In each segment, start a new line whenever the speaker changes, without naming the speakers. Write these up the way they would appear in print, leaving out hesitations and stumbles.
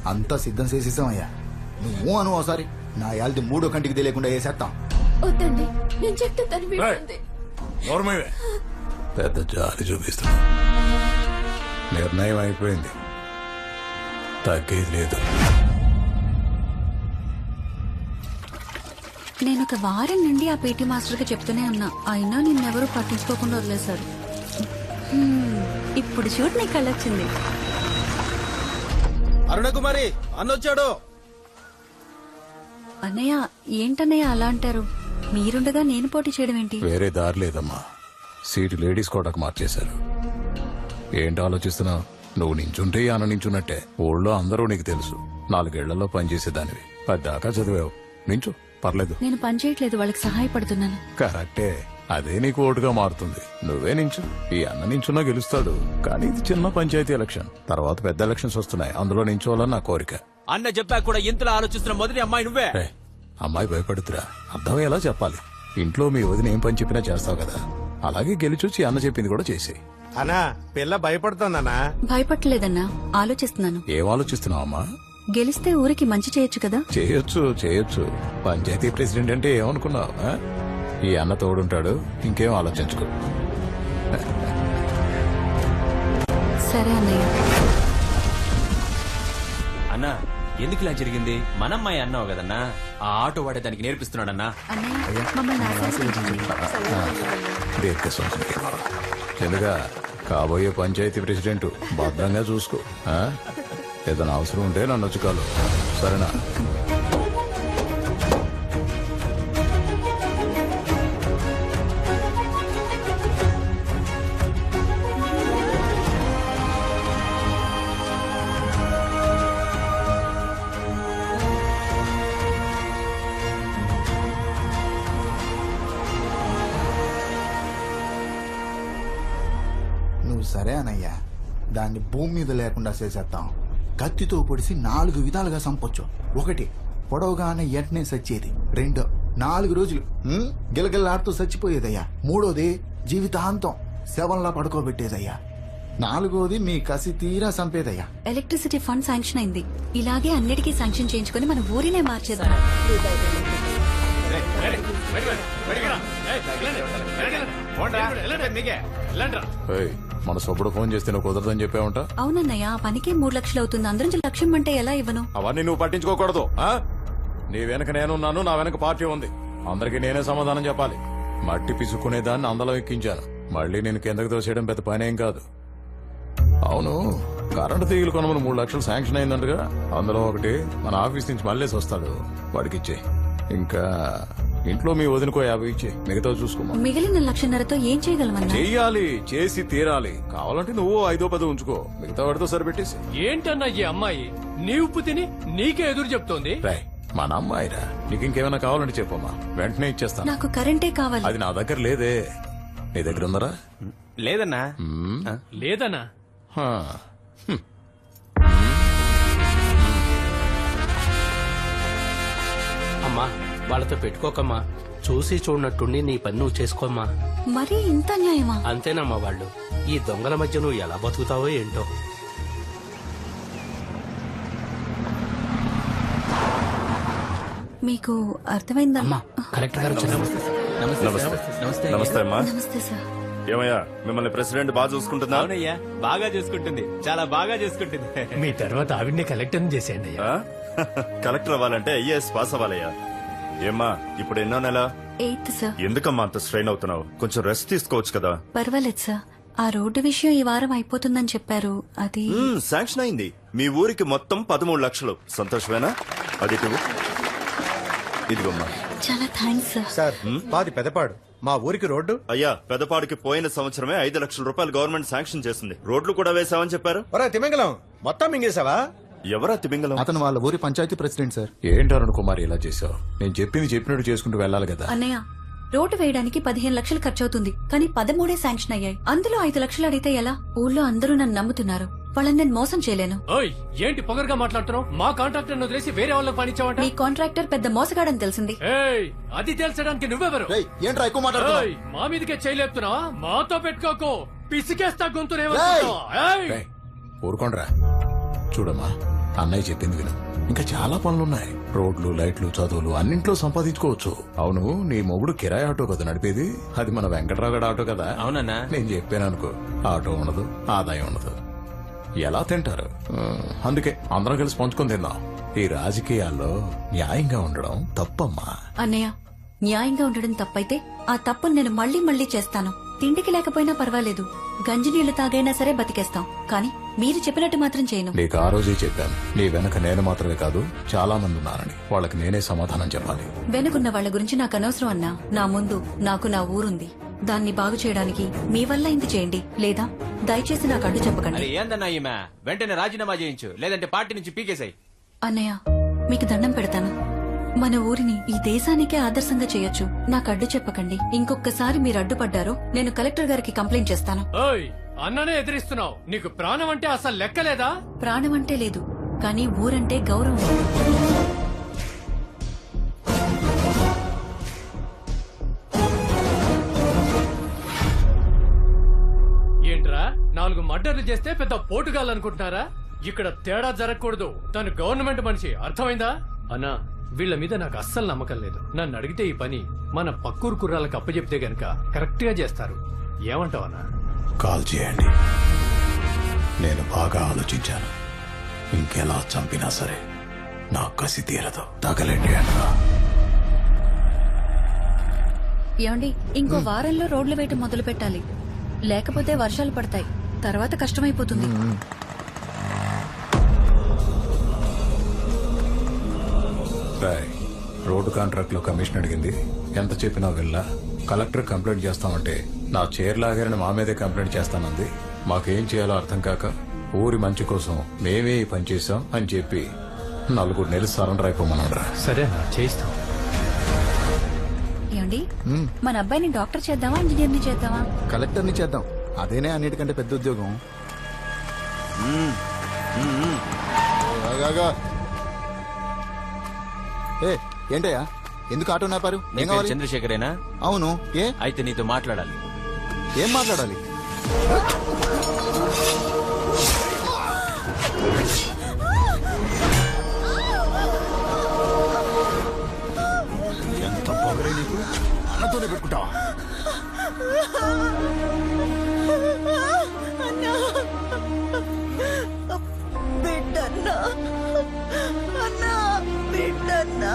అంతా సిద్ధం చేసేసామయ్యా. నువ్వు అను ఒకసారి నా యాల్ది మూడో కంటికి తెలియకుండా వేసేస్తాం.
వద్దండి, నేను చెప్తే తను వింటుంది.
పెద్ద జాలి చూపిస్తున్నా. నిర్ణయం అయిపోయింది, తగ్గేది లేదు.
నేను ఒక వారం నుండి ఆ పీటీ మాస్టర్ కి చెప్తూనే ఉన్నా, అయినా నిన్నెవరూ పట్టించుకోకుండా వదిలేశారు. ఇప్పుడు చూడు నీ కళ్ళొచ్చింది.
అరుణకుమారి అన్నొచ్చాడు.
అన్నయ్య ఏంటన్నయ్య అలా అంటారు? మీరుండగా నేను పోటీ చేయడం ఏంటి?
వేరే దారి లేదమ్మా. సీటు లేడీస్ కోటకు మార్చేశారు. ఏంటి ఆలోచిస్తున్నావు? నువ్వు నించుంటే అన్న నించున్నట్టే. ఊళ్ళో అందరూ నీకు తెలుసు. 4 ఏళ్లలో పనిచేసేదానివి, 10 దాకా చదివావు. నించు, పర్లేదు.
నేను పని చేయట్లేదు, వాళ్ళకి సహాయపడుతున్నాను.
కరెక్టే, అదే నీకు ఓటుగా మారుతుంది. నువ్వే నించు. ఈ అన్న నించున్నా గెలుస్తాడు. కానీ ఇది చిన్న పంచాయతీ ఎలక్షన్. తర్వాత పెద్ద ఎలక్షన్స్ వస్తున్నాయి, అందులో నించోవాలని నా కోరిక.
అన్న చెప్పా కూడా ఇంతలో ఆలోచిస్తున్న మొదటి అమ్మాయి నువ్వే.
అమ్మాయి భయపడుతురా, అర్థమయ్యేలా చెప్పాలి. ఇంట్లో మీ వదిన ఏం పని చెప్పినా చేస్తావు కదా, అలాగే గెలిచొచ్చి అన్న చెప్పింది కూడా చేసేయి.
అన్నా పిల్ల భయపడుతుందన్నా.
భయపట్టలేదన్నా, ఆలోచిస్తున్నాను.
ఏం ఆలోచిస్తున్నావు అమ్మా?
గెలిస్తే ఊరికి మంచి చేయొచ్చు కదా.
చేయొచ్చు. పంచాయతీ ప్రెసిడెంట్ అంటే ఏమనుకున్నావు? ఈ అన్న తోడుంటాడు, ఇంకేం ఆలోచించుకో.
సరే అన్నయ్య.
అన్నా ఎందుకు ఇలా జరిగింది? మనమ్మాయి అన్నావు కదన్నా, ఆ ఆటో వాడే దానికి నేర్పిస్తున్నాడన్నా.
అన్నయ్య మమ్మల్ని ఆశీర్వదించండి.
తెలుగా కాబోయే పంచాయతీ ప్రెసిడెంట్ భద్రంగా చూసుకో. ఏదైనా అవసరం ఉంటే నన్ను వచ్చి కాలు, సరేనా?
నువ్వు సరే అనయ్యా, దాన్ని భూమి మీద లేకుండా చేసేస్తాం. కత్తితో పొడిసి 4 విధాలుగా చంపొచ్చు. 1 పొడవుగానే వెంటనే చచ్చేది. 2 4 రోజులు గిలగిల్లాడుతూ చచ్చిపోయేదయ్యా. 3 జీవితాంతం శవంలా పడుకోబెట్టేదయ్యా. 4 మీ కసి తీరా చంపేదయ్యా.
ఎలక్ట్రిసిటీ ఫండ్ శాంక్షన్ అయింది. ఇలాగే అన్నిటికీ శాంక్షన్ చేయించుకుని మన ఊరినే మార్చేద్దాం.
మన సొప్పుడు ఫోన్ చేస్తే నువ్వు కుదరదని చెప్పావంట.
అవునన్నయ్య, ఆ పనికి 3 లక్షలు అవుతుంది. అందరం 1 లక్షం అంటే ఎలా ఇవ్వను?
అవన్నీ నువ్వు పట్టించుకోకూడదు. నీ వెనక నేనున్నాను, నా వెనక పార్టీ ఉంది. అందరికి నేనే సమాధానం చెప్పాలి. మట్టి పిసుక్కునే దాన్ని అందలం ఎక్కించాను. మళ్ళీ నేను కిందకి తోసేయడం పెద్ద పనేం కాదు. అవును, కరెంటు తీగలు కొనమని 3 లక్షలు శాంక్షన్ అయిందంటగా. అందులో 1 మన ఆఫీస్ నుంచి మళ్ళేసి వస్తాడు, వాడికి ఇచ్చే. ఇంకా ఇంట్లో మీ వదినకో 50 ఇచ్చే, మిగతా చూసుకోమా.
మిగిలిన 1,50,000తో ఏం చేయగలమన్నా?
చెయ్యాలి, చేసి తీరాలి. కావాలంటే నువ్వు 5-10 ఉంచుకో, మిగతా వాడితో సరిపెట్టేసి.
ఏంటన్నా ఈ అమ్మాయి నీ ఉప్పు తిని నీకే ఎదురు చెప్తోంది?
రాయ్, మన అమ్మాయిరా, నీకు ఇంకేమైనా కావాలంటే చెప్పమ్మా, వెంటనే ఇచ్చేస్తాను.
నాకు కరెంటే కావాలి.
అది నా దగ్గర లేదే, నీ దగ్గర ఉందరా?
లేదన్నా.
లేదన్నా.
అమ్మా వాళ్ళతో పెట్టుకోకమ్మా, చూసి చూడనట్టుండి నీ పని నువ్వు చేసుకోమ్మా.
మరీ ఇంత న్యాయమా?
అంతేనమ్మా, వాళ్ళు ఈ దొంగల మధ్య నువ్వు ఎలా బతుకుతావో ఏంటో.
మీకు అర్థమైందా?
కలెక్టర్ గారు
నమస్తే అమ్మా.
నమస్తే సార్.
ఏమయ్యా, మిమ్మల్ని ప్రెసిడెంట్ బాగా చూసుకుంటుందా?
అవునయ్యా, బాగా చూసుకుంటుంది, చాలా బాగా చూసుకుంటుంది.
మీ తర్వాత ఆవిడ్ని కలెక్టర్ చేసేయండి అయ్యా.
కలెక్టర్ అవ్వాలంటే ఐఏఎస్ పాస్ అవ్వాలయ్యా. ఏమ్మా, ఇప్పుడు ఎన్నో నెల?
8th sir.
ఎందుకమ్మా అంత స్ట్రెయిన్ అవుతున్నావు? కొంచెం రెస్ట్ తీసుకోవచ్చు కదా.
పర్వాలేదు సార్, ఆ రోడ్డు విషయం ఈ వారం అయిపోతుందని చెప్పారు. అది
శాంక్షన్ అయింది. మీ ఊరికి మొత్తం 13 లక్షలు. సంతోషమేనా? అది ఇదిగోమ్మా.
చాలా థ్యాంక్స్ సార్.
సార్ మాది పెదపాడు, మా ఊరికి రోడ్డు.
అయ్యా, పెదపాడికి పోయిన సంవత్సరమే 5 లక్షల రూపాయలు గవర్నమెంట్ శాంక్షన్ చేసింది. రోడ్లు కూడా వేసామని చెప్పారు.
ఒరే తిమింగలం, మొత్తం మింగేశావా?
ఎవరా తిమింగలం?
అతను వాళ్ళ ఊరి పంచాయతీ ప్రెసిడెంట్ సార్.
ఏంటి అరుణ్ కుమార్ ఇలా చేసావు? నేను చెప్పింది చెప్పినట్టు చేసుకుంటూ వెళ్ళాలి కదా.
అన్నయ్య, రోడ్డు వేయడానికి 15 లక్షలు ఖర్చు అవుతుంది, కానీ 13 శాంక్షన్ అయ్యాయి. అందులో 5 లక్షలు అడిగితే ఎలా? ఊళ్ళో అందరూ నన్ను నమ్ముతున్నారు, వాళ్ళని నేను మోసం చేయలేను.
ఓయ్, ఏంటి పొగరుగా మాట్లాడుతున్నావు? మా కాంట్రాక్టర్ వదిలేసి వేరే వాళ్ళకి పనిచ్చావంట.
మీ కాంట్రాక్టర్ పెద్ద మోసగాడని తెలిసింది.
ఏయ్, అది తేల్చడానికి నువ్వెవరు?
ఏంట్రా ఎక్కువ మాట్లాడుతున్నావు?
ఏయ్, మా మీదకే చేయలేపుతున్నావా? మాతో పెట్టుకోకు, పిసికేస్తా గొంతునే.
ఊరుకోండ్రా. చూడమ్మా, అన్నయ్య చెప్పింది విను. ఇంకా చాలా పనులున్నాయి. రోడ్లు, లైట్లు, చదువులు అన్నింట్లో సంపాదించుకోవచ్చు. అవును, నీ మొగుడు కిరాయి ఆటో కదా నడిపేది? అది మన వెంకట్రావు గడ ఆటో కదా?
అవునన్నా.
నేను చెప్పాను అనుకో, ఆటో ఉండదు, ఆదాయం ఉండదు, ఎలా తింటారు? అందుకే అందరం కలిసి పంచుకొని తిందాం. ఈ రాజకీయాల్లో న్యాయంగా ఉండడం తప్పమ్మా.
అన్నయ్య, న్యాయంగా ఉండడం తప్పైతే ఆ తప్పును నేను మళ్ళీ మళ్ళీ చేస్తాను. తిండికి లేకపోయినా పర్వాలేదు, గంజినీళ్లు తాగైనా సరే బతికేస్తాం. కానీ మీరు చెప్పినట్టు మాత్రం చేయను.
నీకు ఆ రోజే చెప్పాను, నీ వెనక నేను మాత్రమే కాదు చాలా మంది ఉన్నారని. వాళ్ళకి నేనే సమాధానం చెప్పాలి.
వెనుకున్న వాళ్ళ గురించి నాకు అనవసరం అన్నా. నా ముందు నాకు నా ఊరుంది. దాన్ని బాగు చేయడానికి మీ వల్ల ఇంత చేయండి, లేదా దయచేసి నాకు అడ్డు చెప్పకండి.
అరే ఏందన్నా ఈమె, వెంటనే రాజీనామా చేయించు, లేదంటే పార్టీ నుంచి పీకేసాయి.
అన్నయ్య, మీకు దండం పెడతాను. మన ఊరిని ఈ దేశానికే ఆదర్శంగా చేయొచ్చు. నాకు అడ్డు చెప్పకండి. ఇంకొకసారి మీరు అడ్డుపడ్డారో నేను కలెక్టర్ గారికి కంప్లైంట్ చేస్తాను.
ఓయ్, అన్ననే ఎదిరిస్తున్నావు. నీకు ప్రాణం అంటే అసలు లెక్కలేదా?
ప్రాణం అంటే లేదు, కానీ ఊరంటే గౌరవం.
ఏంట్రా, 4 మర్డర్లు చేస్తే పెద్ద పోటుగాలనుకుంటున్నారా? ఇక్కడ తేడా జరగకూడదు. తను గవర్నమెంట్ మనిషి, అర్థమైందా? అన్నా, వీళ్ళ మీద నాకు అస్సలు నమ్మకం లేదు. నన్ను అడిగితే ఈ పని మన పక్కూరు కుర్రాలకు అప్పచెప్తే గనక కరెక్ట్ గా చేస్తారు. ఏమంటావన్నా?
కాల్ చేయండి. నేను బాగా ఆలోచించాను. ఇంకెలా చంపినా సరే నా కసి తీరదు. తగలండి అనగా.
ఏమండి, ఇంకో వారంలో రోడ్లు వేయటం మొదలు పెట్టాలి. లేకపోతే వర్షాలు పడతాయి, తర్వాత కష్టమైపోతుంది.
రోడ్డు కాంట్రాక్ట్ లో కమిషన్ అడిగింది. ఎంత చెప్పినా వెళ్ళా. కలెక్టర్ కంప్లైంట్ చేస్తామంటే నా చైర్ లాగారని మా మీదే కంప్లైంట్ చేస్తానంది. మాకేం చేయాలో అర్థం కాక ఊరి మంచి కోసం మేమే ఈ పని చేశాం అని చెప్పి 4 నెలలు సరెండర్ అయిపోమన్నారా.
సరే అన్నా, చేయిస్తాం.
ఏమండి, మన అబ్బాయిని డాక్టర్ చేద్దామా, ఇంజనీర్ని చేద్దామా?
కలెక్టర్ని చేద్దాం, అదేనే అన్నిటికంటే పెద్ద ఉద్యోగం. ఆగాగా. ఏ ఏంటయ్యా, ఎందుకు ఆటో నాపారు?
నీ పేరు చంద్రశేఖరేనా?
అవును. ఏ
అయితే నీతో మాట్లాడాలి.
ఏం మాట్లాడాలి? ఎంత పొగరే నీకు? అన్నతోనే పెట్టుకుంటావా?
బిడ్డన్నా, అన్నా, బిడ్డన్నా.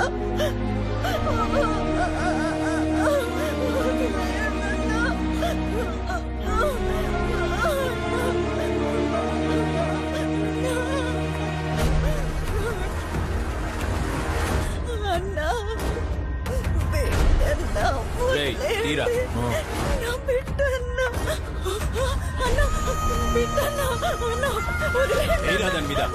అన్నా, బిడ్డన్నా,
రేయ్, తీరా.
అన్నా, బిడ్డన్నా, అన్నా, బిడ్డన్నా, అన్నా, వదిలేయ్.
తీరా దాని మీద.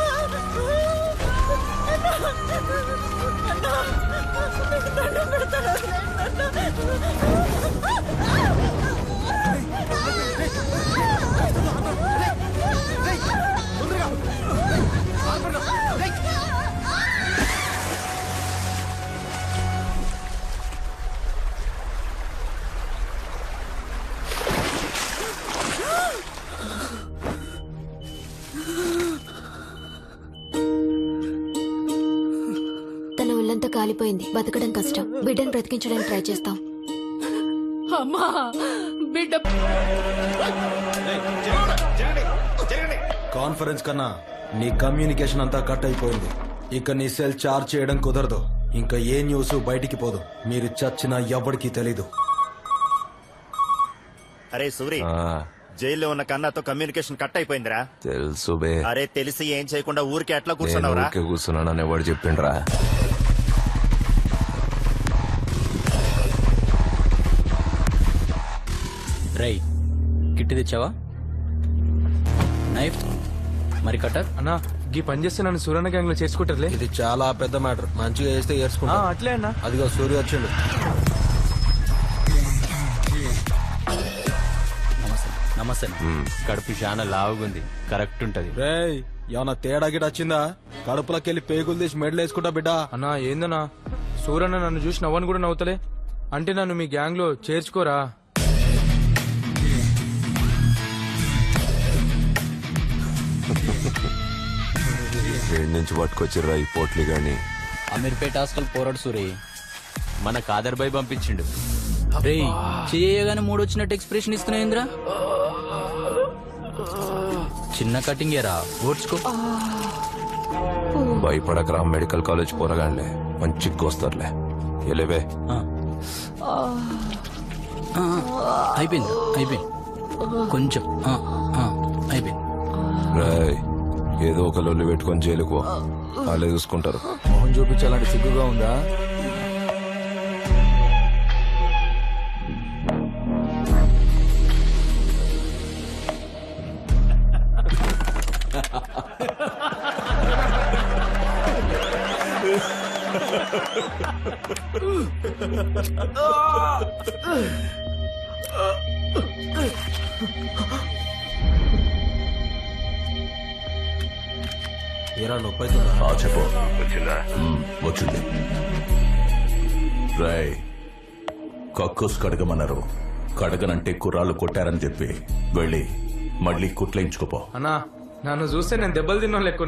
తన ఒళ్ళంతా కాలిపోయింది, బతకడం కష్టం. బిడ్డను బ్రతికించడానికి ట్రై చేస్తాం.
అమ్మా, బిడ్డ
కాన్ఫరెన్స్ కన్నా నీ కమ్యూనికేషన్ అంతా కట్ అయిపోయింది. ఇక నీ సెల్ చార్జ్ చేయడం కుదరదు. ఇంకా ఏ న్యూస్ బయటికి పోదు. మీరు చచ్చినా ఎవరికి తెలీదు.
అరే సూరి, జైల్లో ఉన్న కన్నాతో కమ్యూనికేషన్ కట్ అయిపోయిందిరా.
తెలుసు బే.
అరే తెలిసి ఏం చేయకుండా ఊరికే ఎట్లా కూర్చున్నావురా?
కూర్చున్నానని ఎవడు చెప్పిండ్రా?
రై, కిట్టి తెచ్చావా? నైఫ్ మరి కట్టర్?
అన్నా, ఈ పని చేస్తే నన్ను సూర్యన్న గ్యాంగ్ లో చేసుకుంటారులే.
ఇది చాలా పెద్ద మ్యాటర్. మంచిగా చేస్తే ఏర్చుకుంటా.
అట్లే అన్నా.
అదిగో సూర్య వచ్చిండు.
నమస్తే. కడుపు చాలా లావుగుంది, కరెక్ట్ ఉంటది.
రేయ్, ఏమన్నా తేడా గిట వచ్చిందా? కడుపులోకెళ్ళి పేగులు తీసి మెడలు వేసుకుంటా బిడ్డ.
అన్నా ఏందన్నా, సూర్యన్న నన్ను చూసి నవ్వని కూడా నవ్వుతలే. అంటే నన్ను మీ గ్యాంగ్ లో చేర్చుకోరా?
ఏడు నుంచి పట్టుకొచ్చిర్రా ఈ పోట్లి గాని
అమీర్పేట హాస్టల్ పోరాడు సూరి మన కాదర్ బాయ్ పంపించిండు.
రే చేయగానే మూడు వచ్చినట్టు ఎక్స్ప్రెషన్ ఇస్తున్నాయింద్రా. చిన్న కటింగ్ ఏరా ఓడ్చుకో.
భయపడకరా, మెడికల్ కాలేజ్ పోరగాండ్లే మంచి కోస్తారులే. ఎలేవే
అయిపోయింది అయిపోయింది కొంచెం అయిపోయింది.
రాయ్ ఏదో ఒక లొల్లి పెట్టుకొని జైలుకు పో. వాళ్ళే చూసుకుంటారు.
మొహం చూపించాలంటే సిగ్గుగా ఉందా?
ఏరా నొప్పి అవుతుందా?
చెప్పు. వచ్చింది. రాయ్ కక్కుస్ కడగమన్నారు. కడగనంటే కుర్రాళ్ళు కొట్టారని చెప్పి వెళ్ళి మళ్ళీ కుట్లేయించుకోపో.
అన్నా నన్ను చూస్తే నేను దెబ్బలు తిన్నా లెక్క